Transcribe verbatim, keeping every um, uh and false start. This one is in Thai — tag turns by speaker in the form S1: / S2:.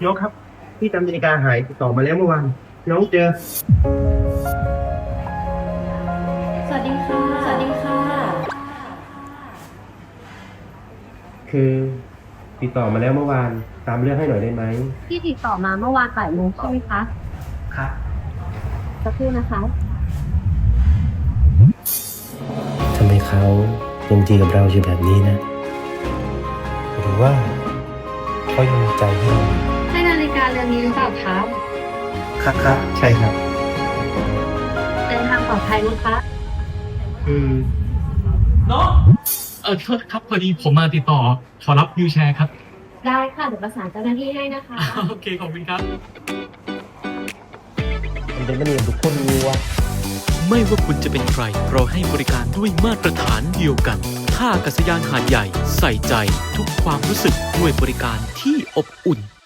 S1: น้องครับพี่จำนาฬิกาหายติดต่อมาแล้วเมื่อวานน้องเจอ
S2: สวัสดีค่ะ สวัสดีค่ะ
S1: คือติดต่อมาแล้วเมื่อวานตามเรื่องให้หน่อยได้ไหม
S2: ที่ติดต่อมาเมื่อวานบ่ายโมงใช่ไหมคะ
S1: ครับ
S2: สักครู่นะคะ
S3: ทำไมเขายังดีกับเราอยู่แบบนี้นะ หรือว่าเขายังมีใจให้เรา
S2: ให้นาฬิกาเรือนนี้หรือเปล่าคะ
S1: ครับครับใช่ครับ
S2: เดินทางปลอดภัยนะคะ
S1: อืม
S4: น้องเออโทษครับพอดีผมมาติดต่อขอรับวิวแชร์ครับ
S2: ได้ค่ะเดี๋ยวประสานเจ้าหน้าที่ให้นะคะ
S4: โอเคขอบคุณครับ
S3: มันเป็นมณีทุกคนรู้ว่า
S5: ไม่ว่าคุณจะเป็นใคร เราให้บริการด้วยมาตรฐานเดียวกันท่าอากาศยานหาดใหญ่ใส่ใจทุกความรู้สึกด้วยบริการที่อบอุ่น